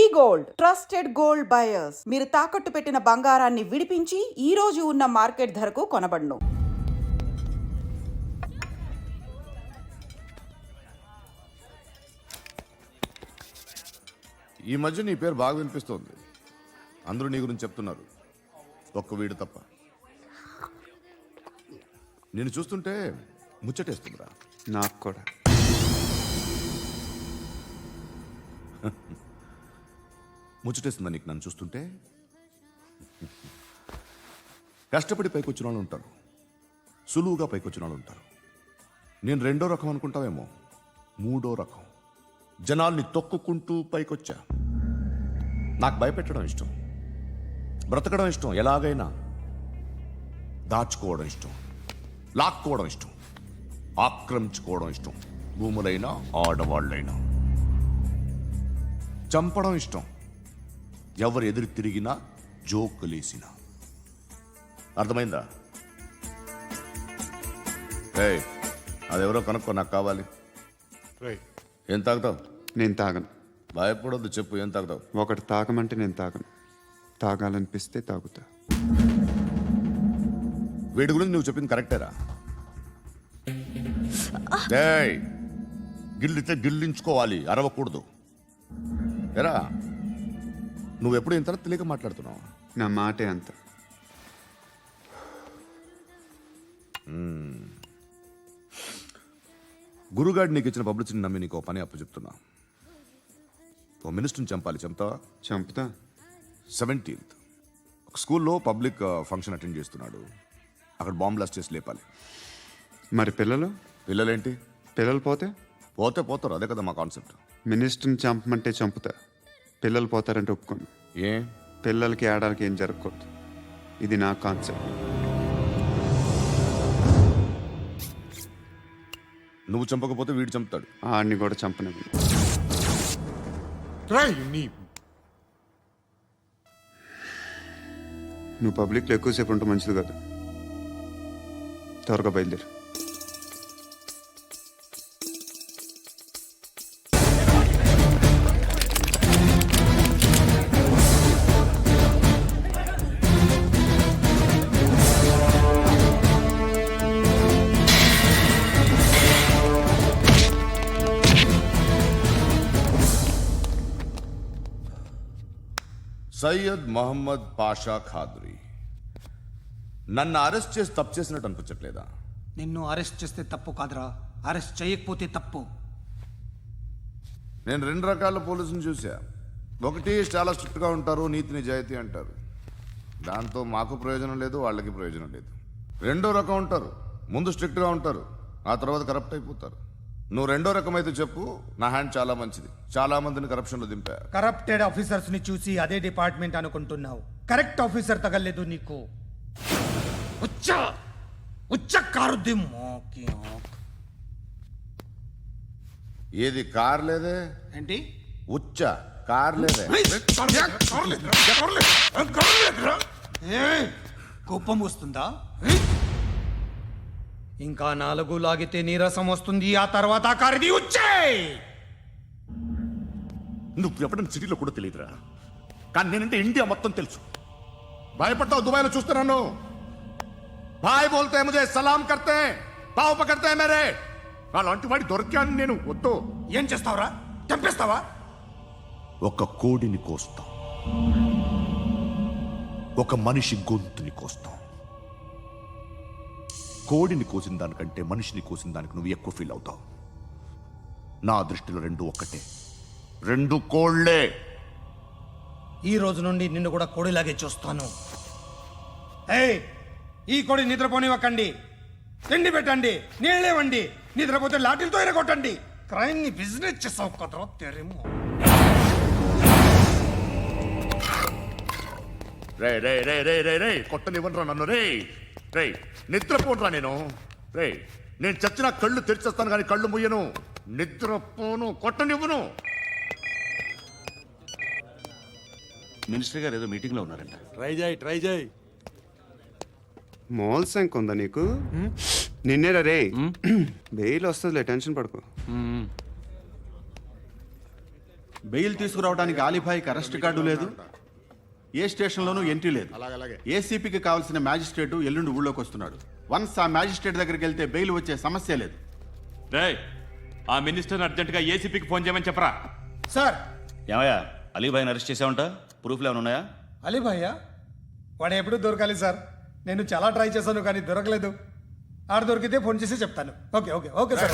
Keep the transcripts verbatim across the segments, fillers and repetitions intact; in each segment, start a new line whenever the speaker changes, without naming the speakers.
Gold trusted gold buyers మీరు తాకట్టు పెట్టిన బంగారాన్ని విడిపించి ఈ రోజు ఉన్న మార్కెట్ ధరకు కొనబడును.
ఈ మధ్య నీ పేరు బాగా వినిపిస్తోంది. అందరూ నీ గురించి చెప్తున్నారు, ఒక్క వీడు తప్ప. నేను చూస్తుంటే ముచ్చటేస్తుందిరా.
నాకు కూడా.
ముచ్చటేస్తుందా నీకు నన్ను చూస్తుంటే? కష్టపడి పైకొచ్చిన వాళ్ళు ఉంటారు, సులువుగా పైకొచ్చిన వాళ్ళు ఉంటారు. నేను రెండో రకం అనుకుంటావేమో, మూడో రకం. జనాల్ని తొక్కుకుంటూ పైకొచ్చా. నాకు భయపెట్టడం ఇష్టం, బ్రతకడం ఇష్టం, ఎలాగైనా దాచుకోవడం ఇష్టం, లాక్కోవడం ఇష్టం, ఆక్రమించుకోవడం ఇష్టం. భూములైనా ఆడవాళ్ళైనా చంపడం ఇష్టం, ఎవరు ఎదురు తిరిగినా జోకులేసినా. అర్థమైందా? ఏయ్, అదెవరో కనుక్కో, నాకు కావాలి. ఏం తాగుతావు?
నేను తాగను.
భయపడొద్దు, చెప్పు ఏం తాగుతావు?
ఒకటి తాగమంటే నేను తాగను, తాగాలనిపిస్తే తాగుతా.
వీడి గురించి నువ్వు చెప్పింది కరెక్టేరా? ఏయ్, గిల్లితే గిల్లించుకోవాలి, అరవకూడదు. ఎరా, నువ్వెప్పుడు ఇంత తెలియక మాట్లాడుతున్నావు?
నా మాటే అంత.
గురుగాడు నీకు ఇచ్చిన పబ్లిసిటీని నమ్మి నీకు పని అప్పు చెప్తున్నా. ఓ మినిస్టర్ని చంపాలి, చంపుతావా?
చంపుతా.
సెవెంటీన్త్ ఒక స్కూల్లో పబ్లిక్ ఫంక్షన్ అటెండ్ చేస్తున్నాడు, అక్కడ బాంబ్ బ్లాస్ట్ చేసి లేపాలి.
మరి పిల్లలు?
పిల్లలేంటి?
పిల్లలు పోతే
పోతే పోతారు, అదే కదా మా కాన్సెప్ట్.
మినిస్టర్ని చంపమంటే చంపుతా, పిల్లలు పోతారంటే ఒప్పుకోను.
ఏ?
పిల్లలకి ఆడాలకి ఏం జరగకూడదు, ఇది నా కాన్సెప్ట్.
నువ్వు చంపకపోతే వీడు చంపుతాడు.
ఆడిని కూడా చంపనివ్వను. నువ్వు పబ్లిక్లో ఎక్కువసేపు ఉంటే మంచిది కాదు. త్వరగా బయలుదేరు.
సయ్యద్ మహమ్మద్ పాషా ఖాద్రీ. నన్ను అరెస్ట్ చేసి తప్పు చేసినట్టు అనిపించట్లేదా?
నిన్ను అరెస్ట్ చేస్తే తప్పు కాదురా, అరెస్ట్ చేయకపోతే తప్పు.
నేను రెండు రకాల పోలీసుని చూసా. ఒకటి చాలా స్ట్రిక్ట్గా ఉంటారు, నీతి నిజాయితీ అంటారు, దాంతో మాకు ప్రయోజనం లేదు, వాళ్ళకి ప్రయోజనం లేదు. రెండో రకం ఉంటారు, ముందు స్ట్రిక్ట్గా ఉంటారు, ఆ తర్వాత కరప్ట్ అయిపోతారు. నువ్వు రెండో రకం అయితే చెప్పు, నా హ్యాండ్ చాలా మంచిది, చాలా మందిని కరప్షన్లో దింపా.
కరప్టెడ్ ఆఫీసర్స్ ని చూసి అదే డిపార్ట్మెంట్ అనుకుంటున్నావు, కరెక్ట్ ఆఫీసర్ తగలేదు నీకు. ఉచ్చ ఉచ్చ కారుద్ది మోకి.
ఏది కార్ లేదే?
ఏంటి?
ఉచ్చ కార్ లేదే?
కోపం వస్తుందా? ఇంకా నాలుగు లాగితే నీరసం వస్తుంది, ఆ తర్వాత కారిది ఉచ్చే.
నువ్వు ఎప్పుడైనా సిటీలో కూడా తెలియదురా, కానీ నేనంటే ఇండియా మొత్తం తెలుసు. భయపడతావు? దుబాయ్లో చూస్తున్నాను. భాయ్ బోల్తే ముజే సలాం కర్తే, పావు పకర్తే మేరే. అలాంటి వాడి దొరికాను నేను. వద్దు.
ఏం చేస్తావురా? చంపేస్తావా?
ఒక కోడిని కోస్తాం, ఒక మనిషి గొంతుని కోస్తాం. కోడిని కోసిన దానికంటే మనిషిని కోసిన దానికి నువ్వు ఎక్కువ ఫీల్ అవుతావు. నా దృష్టిలో రెండు ఒక్కటే, రెండు కోళ్లే.
ఈ రోజు నుండి నిన్ను కూడా కోడిలాగే చూస్తాను. ఏయ్, ఈ కోడి నిద్రపోనివ్వకండి, తిండి పెట్టండి, నీళ్ళేవండి. నిద్రపోతే లాఠీలతో ఎరగొట్టండి. క్రైమ్ ని బిజినెస్ చేసావు కదరా తెరేమో.
రే రే రే రే రే రే కొట్టనివ్వనరా నన్ను. రే రే నిద్రపోనరా నేను. రే నేను చచ్చిన కళ్ళు తెరిచేస్తాను కానీ కళ్ళు ముయ్యను. నిద్రపోను, కొట్టనివ్వను.
మినిస్టర్ గారు ఏదో మీటింగ్ లో ఉన్నారంట.
ట్రై చేయి ట్రై చేయి
మోల్ సంక్ ఉందా నీకు? నిన్నేరా రే. బెయిల్ వస్తుందిలే, టెన్షన్ పడుకో.
బెయిల్ తీసుకురావడానికి ఆలిభాయికి అరెస్ట్ కార్డు లేదు, ఏ స్టేషన్లోనూ ఎంట్రీ లేదు. ఏసీపీకి కావాల్సిన మ్యాజిస్ట్రేటు ఎల్లుండి ఊళ్ళోకి వస్తున్నాడు. వన్స్ ఆ మ్యాజిస్ట్రేట్ దగ్గరికి వెళ్తే బెయిల్ వచ్చే సమస్య లేదు.
రేయ్, ఆ మినిస్టర్ని అర్జెంటుగా ఏసీపీకి ఫోన్ చేయమని చెప్పరా.
సార్
ఏమయ్యా అలీభాయ్ని అరెస్ట్ చేసావంట? ప్రూఫ్లు ఏమైనా ఉన్నాయా?
అలీ భయ్యా వాడు ఎప్పుడు దొరకాలి సార్. నేను చాలా ట్రై చేశాను కానీ దొరకలేదు. ఆడ దొరికితే ఫోన్ చేసి చెప్తాను. Okay okay okay sir.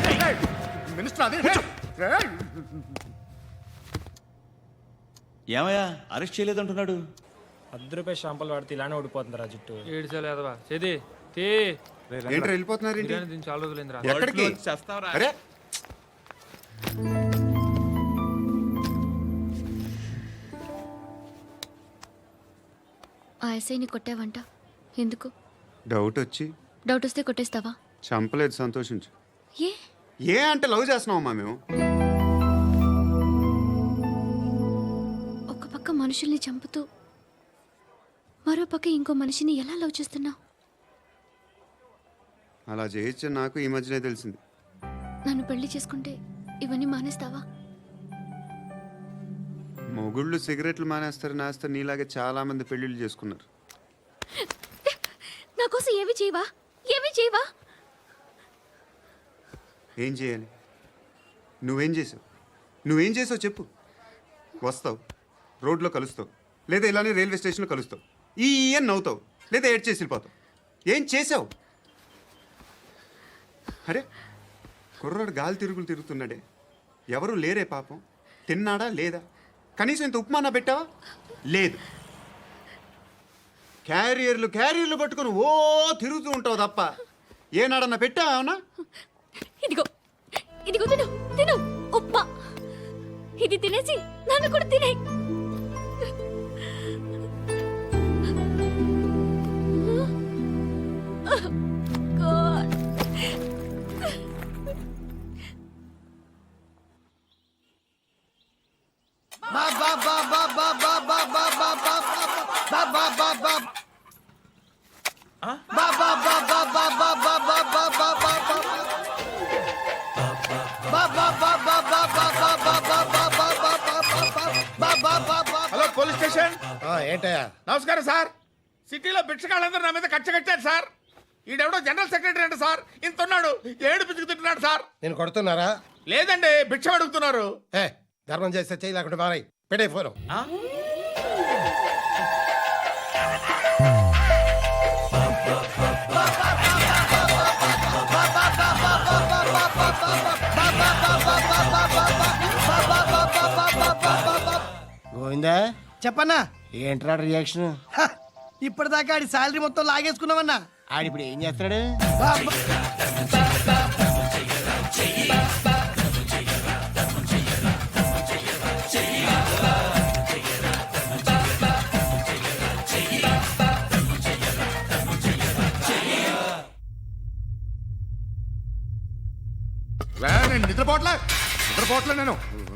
ఏమయ్యా అరెస్ట్ చేయలేదంటున్నాడు?
పది రూపాయలు షాంపులు వాడితే ఇలానే ఓడిపోతుంది రా జుట్టు.
ఏడ్చలేదవా చేది తీ
ఏంటి వెళ్ళిపోతున్నారు ఏంటి?
బిర్యానీ తిని చాలా రోజులైందిరా.
ఎక్కడికి? అరే
ఆ ఎస్ఐని కొట్టావంట ఎందుకు?
డౌట్ వచ్చి.
డౌట్ వస్తే కొట్టేస్తావా?
చంపలేదు, సంతోషించు.
ఏ
ఏ అంటే లవ్ చేస్తున్నామమ్మా మేము.
ఒక పక్క మనుషుల్ని చంపుతూ మరో పక్క ఇంకో మనిషిని ఎలా లవ్ చేస్తున్నావు?
అలా చేయొచ్చు నాకు ఈ మధ్యనే తెలిసింది.
నన్ను పెళ్లి చేసుకుంటే ఇవన్నీ మానేస్తావా?
మొగుళ్ళు సిగరెట్లు మానేస్తారు, నేస్తారు. నీలాగే చాలా మంది పెళ్లిళ్ళు చేసుకున్నారు.
నా కోసం ఏమి చేయవా? ఏమి చేయవా?
ఏం చేయాలి? నువ్వేం చేసావు? నువ్వేం చేసావు చెప్పు. వస్తావు, రోడ్లో కలుస్తావు, లేదా ఇలానే రైల్వే స్టేషన్లో కలుస్తావు. ఈ అని నవ్వుతావు, లేదా ఏడ్ చేసి వెళ్ళిపోతావు. ఏం చేసావు? అరే కుర్రాడు గాలి తిరుగులు తిరుగుతున్నాడే, ఎవరు లేరే పాపం. తిన్నాడా లేదా? కనీసం ఇంత ఉప్మానా పెట్టావా? లేదు. క్యారియర్లు క్యారియర్లు పట్టుకొని ఓ తిరుగుతూ ఉంటావు తప్ప ఏనాడన్నా పెట్టావా? అవునా?
ఇదిగో ఇదిగో తిను తిను ఉప్మా. ఇది తినేసి నన్ను కూడా తినే. God.
Hello police station.
ఏంటయ్యా?
నమస్కారం సార్. సిటీలో భిక్షగాళ్ళందరూ నా మీద కచ్చ కట్టారు సార్. ఈడెవడో జనరల్ సెక్రటరీ అంట సార్. ఇంత ఉన్నాడు, ఏడు పిచ్చుకు తింటున్నాడు సార్.
నేను కొడుతున్నారా?
లేదండి, భిక్ష అడుగుతున్నారు.
ఏ ధర్మం చేస్తే చేయి, లేకుండా మారాయి. పెట్టే ఫోను. గోవిందా
చెప్పన్నా.
ఏంట్రా రియాక్షన్?
ఇప్పటిదాకా ఆడి శాలరీ మొత్తం లాగేసుకున్నావన్నా.
ఆడిప్పుడు ఏం చేస్తున్నాడు?
నేను నిద్రపోవట్లే నిద్రపోవట్లే నేను.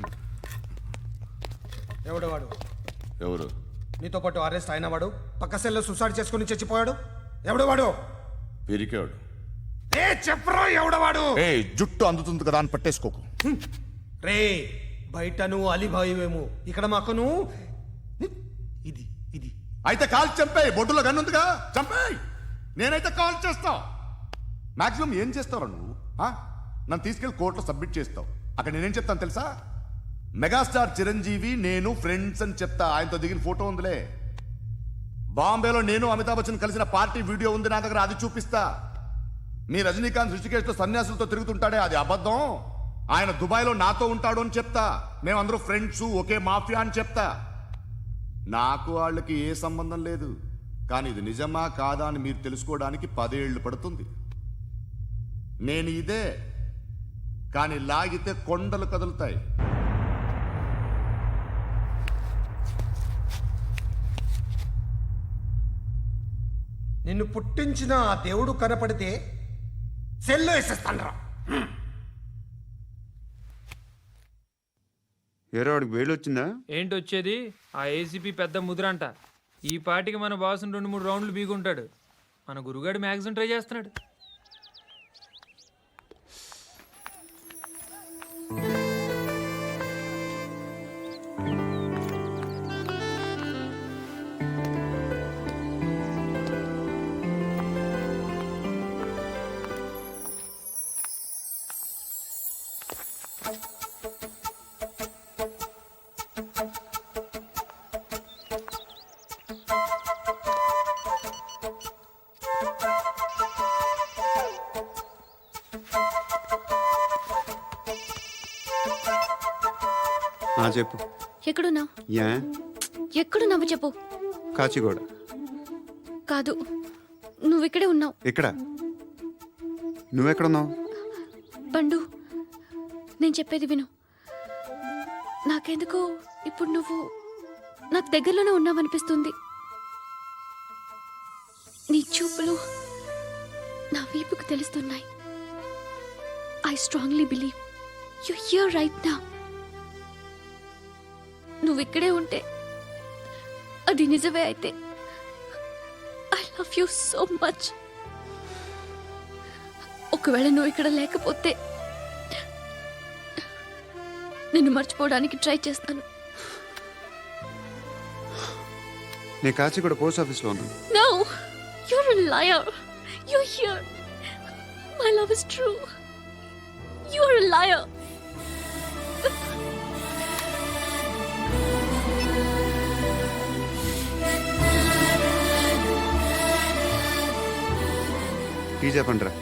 ఎవడు వాడు?
ఎవరు?
నీతో పాటు అరెస్ట్ అయిన వాడు, పక్క సెల్లో సూసైడ్ చేసుకుని చచ్చిపోయాడు. ఎవడు వాడు?
పిరికాడు.
ఏ చెప్పరా ఎవడవాడు?
ఏ జుట్టు అందుతుంది కదా అని పట్టేసుకోకు.
రే బయట నువ్వు అలీబాయివేమో, ఇక్కడ మాకు నువ్వు ఇది ఇది.
అయితే కాల్ చంపేయి. బొడ్డులో గన్నుందిగా, చంపేయి. నేనైతే కాల్ చేస్తా. మాక్సిమం ఏం చేస్తావు నువ్వు? ఆ? నన్ను తీసుకెళ్లి కోర్టులో సబ్మిట్ చేస్తావు. అక్కడ నేనేం చెప్తాను తెలుసా? మెగాస్టార్ చిరంజీవి నేను ఫ్రెండ్స్ అని చెప్తా. ఆయనతో దిగిన ఫోటో ఉందిలే. బాంబేలో నేను అమితాబ్ బచ్చన్ కలిసిన పార్టీ వీడియో ఉంది నా దగ్గర, అది చూపిస్తా. మీ రజనీకాంత్ ఋషికేశ్లో సన్యాసులతో తిరుగుతుంటాడే, అది అబద్ధం. ఆయన దుబాయ్లో నాతో ఉంటాడు అని చెప్తా. మేమందరూ ఫ్రెండ్స్, ఒకే మాఫియా అని చెప్తా. నాకు వాళ్ళకి ఏ సంబంధం లేదు. కానీ ఇది నిజమా కాదా అని మీరు తెలుసుకోవడానికి పదేళ్లు పడుతుంది. నేను ఇదే, కానీ లాగితే కొండలు కదులుతాయి.
నిన్ను పుట్టించిన ఆ దేవుడు కనపడితే సెల్లో వేసేస్తానరా.
ఏరో వాడికి వేలు వచ్చిందా?
ఏంటి వచ్చేది? ఆ ఏసీపీ పెద్ద ముద్రంట. ఈ పాటికి మన బాసుని రెండు మూడు రౌండ్లు బీగుంటాడు. మన గురుగాడు మ్యాగజైన్ ట్రై చేస్తున్నాడు.
చెప్పు.
ఎక్కడున్నావు?
యా
ఎక్కడున్నావు చెప్పు.
కాచిగూడ.
కాదు, నువ్వు ఇక్కడే ఉన్నావు.
ఇక్కడ నువ్వెక్కడున్నావు?
పండు, నేను చెప్పేది విను. నాకెందుకో ఇప్పుడు నువ్వు నాకు దగ్గరలోనే ఉన్నావనిపిస్తుంది. నీ చూపులు నా వీపుకు తెలుస్తున్నాయి. I strongly believe you here right now. నువ్వు ఇక్కడే ఉంటే అది నిజమే అయితే I love you so much. ఒకవేళ నువ్వు ఇక్కడ లేకపోతే నిన్ను మర్చిపోవడానికి ట్రై చేస్తాను.
నేను కాచిగూడ పోస్ట్ ఆఫీస్లో ఉన్నాను.
No, you're a liar. You're here. My love is true. You're a liar.
Tea చెప్పండిరా.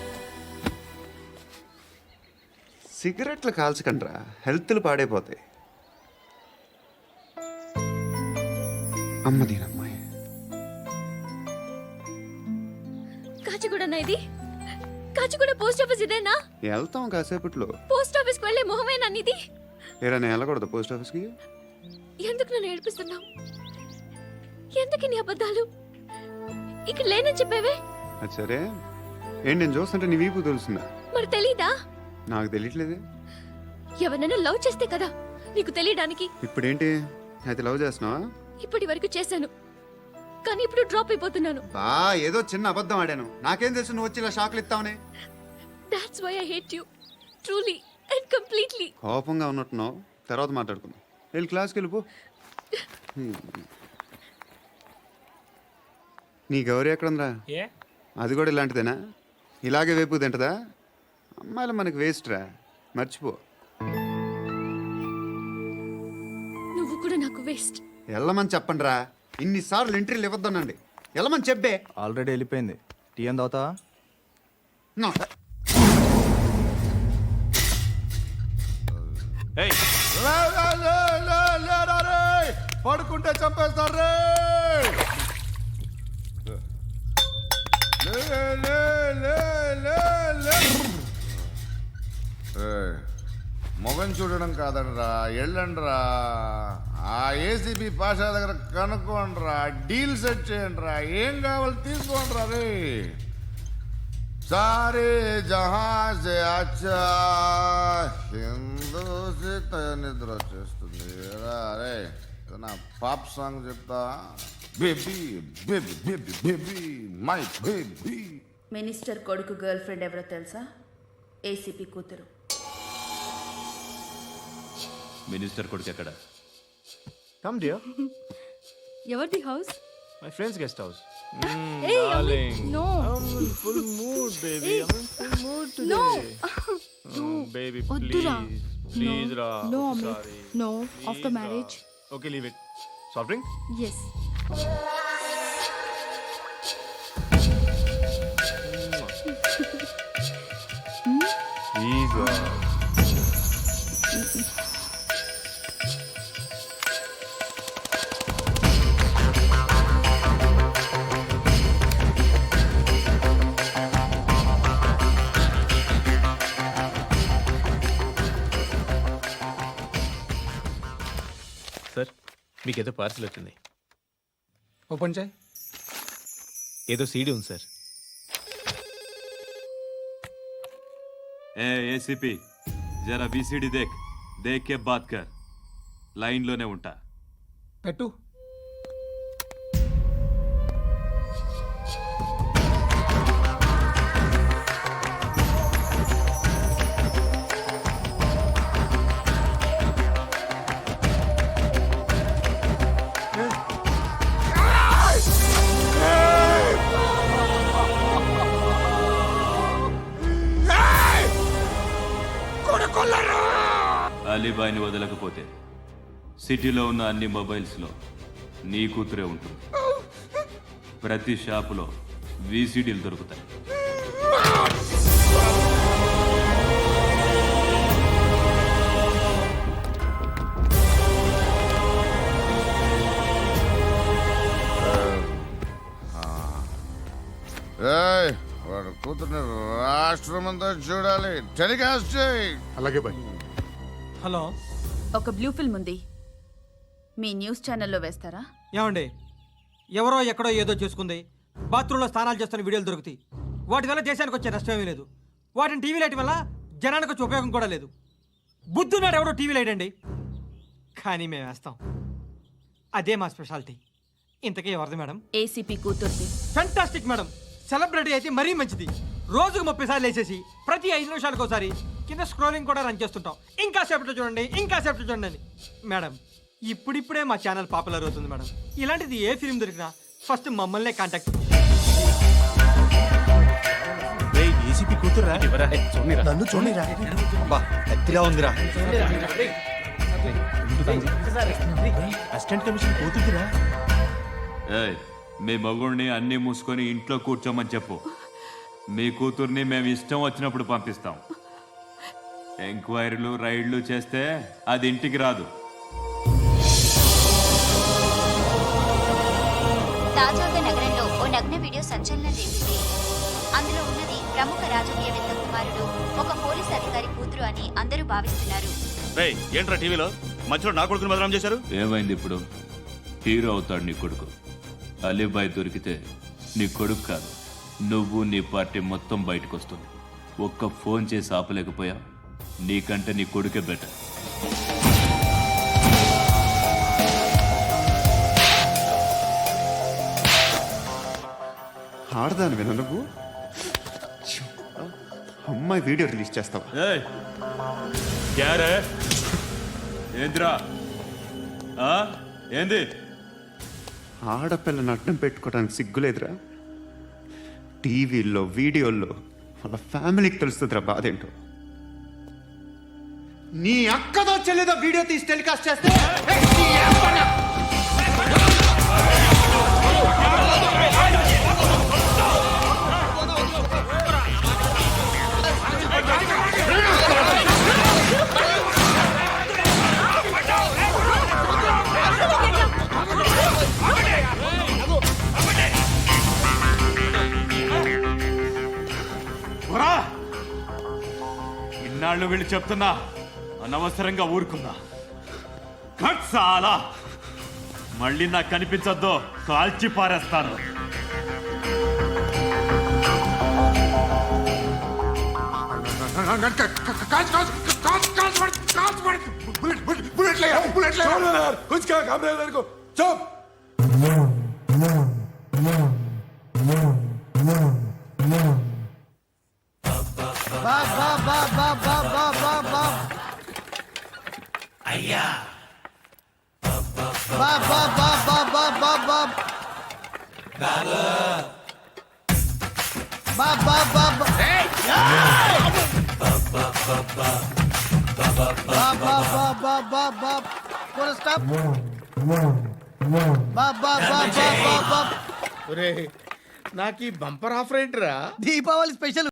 సిగరెట్లు కాల్చకండ్రా, హెల్త్లు పాడైపోతాయి. అమ్మదీనమ్మాయి.
కాచిగూడనా ఇది? కాచిగూడ పోస్ట్ ఆఫీస్ ఇదేనా?
వెళ్తాం కాసేపట్లో.
పోస్ట్ ఆఫీస్కి వెళ్ళే మొహమేనా నీది?
ఏరా నేను వెళ్ళకూడదు పోస్ట్ ఆఫీస్కి?
ఎందుకు నన్ను ఏడిపిస్తున్నావు? ఎందుకు నీ అబద్ధాలు? ఇక్కడ లేనని చెప్పేవే.
అది సరే, ఏంటి నేను చూస్తుంటే నీ వీపు తెలుస్తుందా?
మరి తెలీదా?
నాకు తెలియట్లేదే.
ఎవరైనా లవ్ చేస్తే కదా నీకు తెలియడానికి.
ఇప్పుడేంటి అయితే లవ్ చేస్తున్నావా?
ఇప్పటి వరకు చేశాను, కానీ ఇప్పుడు డ్రాప్ అయిపోతున్నాను.
బా ఏదో చిన్న అబద్ధం ఆడాను. నాకేం తెలుసు నువ్వు వచ్చి ఇలా షాక్లు ఇస్తావనే.
That's why I hate you. Truly and completely.
కోపంగా ఉన్నట్టున్నావు, తర్వాత మాట్లాడుకుందాం. వెళ్ళి క్లాస్కి వెళ్ళిపో. నీ గౌరీ ఎక్కడుందిరా?
ఏ
అది కూడా ఇలాంటిదేనా? ఇలాగే వేపు తింటదా? అమ్మాయిలు మనకి వేస్ట్ రా, మర్చిపో.
నువ్వు కూడా నాకు వేస్ట్.
వెళ్ళమని చెప్పండి రా. ఇన్నిసార్లు ఎంట్రీలు ఇవ్వద్దనండి. వెళ్ళమని చెప్పే.
ఆల్రెడీ వెళ్ళిపోయింది. టీ అని తాగుతావా?
నో.
ఏయ్,
లే, లే, లే, లే, లేరా రే. పడుకుంటే చంపేస్తారు రే. లే, లే, లే, లే, లే. ఏయ్, మొగం చూడడం కాదండ్రా, వెళ్ళండ్రా. ఆ ఏసీబీ పాషా దగ్గర కనుక్కోండ్రా, డీల్ సెట్ చేయండిరా, ఏం కావాలి తీసుకోండిరా రే. సారే జహా సే అచ్చా హిందూ సే నిద్ర వచ్చేస్తుంది రే. నా పాప్ సాంగ్ చెప్తా. Baby baby baby baby my baby.
Minister కొడుకు గర్ల్ ఫ్రెండ్ ఎవరో తెలుసా? ఏసీపీ కూతురు.
మినిస్టర్ కొడుకు ఎక్కడ?
Come dear.
ఎవరిది house?
My friends guest house.
Hey, Amit, no.
Full mood baby. I am full mood today.
No.
Baby
వద్దురా.
Please please రా.
No, Amit. No. After marriage.
Okay leave it. Soft drink?
Yes.
ఈజ్ sir, మీకేదో parcel వచ్చింది.
Open చేయి.
ఏదో CD ఉంది sir.
ఏ ACP, జరా బీసీడీ దేక్, దేక్ కే బాత్ కర్. లైన్లోనే ఉంటా.
పెట్టు.
అలీబాయ్ని వదలకపోతే సిటీలో ఉన్న అన్ని మొబైల్స్లో నీ కూతురే ఉంటుంది. ప్రతి షాపులో వీసీడీలు దొరుకుతాయి.
కూతుర్ని రాష్ట్రం అంతా చూడాలి. టెలికాస్ట్ చేయి.
అలాగే బాయ్.
హలో
ఒక బ్లూ ఫిల్మ్ ఉంది, మీ న్యూస్ ఛానల్లో వేస్తారా?
ఏమండి, ఎవరో ఎక్కడో ఏదో చేసుకుంది, బాత్రూంలో స్నానాలు చేస్తున్న వీడియోలు దొరుకుతాయి. వాటి వల్ల దేశానికి వచ్చే నష్టమేమీ లేదు. వాటిని టీవీ లైట్ వల్ల జనానికి వచ్చే ఉపయోగం కూడా లేదు. బుద్ధున్నాడు ఎవడో టీవీ లైట్ అండి, కానీ మేము వేస్తాం. అదే మా స్పెషాలిటీ. ఇంతకీ ఎవరిది మేడం?
ఏసీపీ కూతుర్ది.
Fantastic madam. సెలబ్రిటీ అయితే మరీ మంచిది. రోజుకు ముప్పై సార్లు వేసేసి ప్రతి ఐదు నిమిషాలకు ఒకసారి కింద స్క్రోలింగ్ కూడా రన్ చేస్తుంటాం. ఇంకా సేపట్లో చూడండి, ఇంకా సేపట్లో చూడండి అని. మేడం, ఇప్పుడిప్పుడే మా ఛానల్ పాపులర్ అవుతుంది మేడం. ఇలాంటిది ఏ ఫిల్మ్ దొరికినా ఫస్ట్ మమ్మల్నే కాంటాక్ట్.
ఏసీపీ కూతురా? నన్ను చూడరా?
బా ఎత్తిగా ఉందిరా.
అసిస్టెంట్ కమిషన్ కూతురా?
ఏయ్, మీ మగుడిని అన్నీ మూసుకొని ఇంట్లో కూర్చోమని చెప్పు. మీ కూతుర్ని మేము ఇష్టం వచ్చినప్పుడు పంపిస్తాం. ఎంక్వైరీలు రైడ్లు చేస్తే అది ఇంటికి రాదు.
తాజాగా నగరంలో ఓ నగ్న వీడియో సంచలనం రేపింది. అందులో ఉన్నది ప్రముఖ రాజకీయవేత్త కుమారుడు, ఒక పోలీస్ అధికారి కూతురు అని అందరూ భావిస్తున్నారు.
ఏంట్రా టీవీలో మధ్యలో నా కొడుకుని బదనాం చేశారు? ఏమైంది ఇప్పుడు? హీరో అవుతాడు నీ కొడుకు. అలీబాయ్ దొరికితే నీ కొడుకు కాదు, నువ్వు నీ పార్టీ మొత్తం బయటకు వస్తుంది. ఒక్క ఫోన్ చేసి ఆపలేకపోయా? నీకంటే నీ కొడుకే బెటర్.
ఆడదాను విన నువ్వు అమ్మాయి వీడియో రిలీజ్ చేస్తావా?
ఏయ్, క్యారే? ఏంద్రా? ఆ? ఏంది?
ఆడపిల్లని అడ్డం పెట్టుకోవడానికి సిగ్గులేదురా? టీవీల్లో వీడియోల్లో వాళ్ళ ఫ్యామిలీకి తెలుస్తుందిరా బాధ ఏంటో. నీ అక్కదో చెల్లిదో వీడియో తీసి టెలికాస్ట్ చేస్తే
ఇన్నాళ్ళు వీళ్ళు చెప్తున్నా అనవసరంగా ఊరుకుందా. కట్ సాలా, మళ్ళీ నాకు కనిపించొద్దు, కాల్చి పారేస్తాను.
అయ్యా బా బా బా బా బా బా బా బా బా బా బా బా బా బా బా బా పూరా స్టాప్ బా బా బా బా బా బా.
ఒరే, నాకు ఈ బంపర్ ఆఫర్ ఏంట్రా?
దీపావళి స్పెషల్.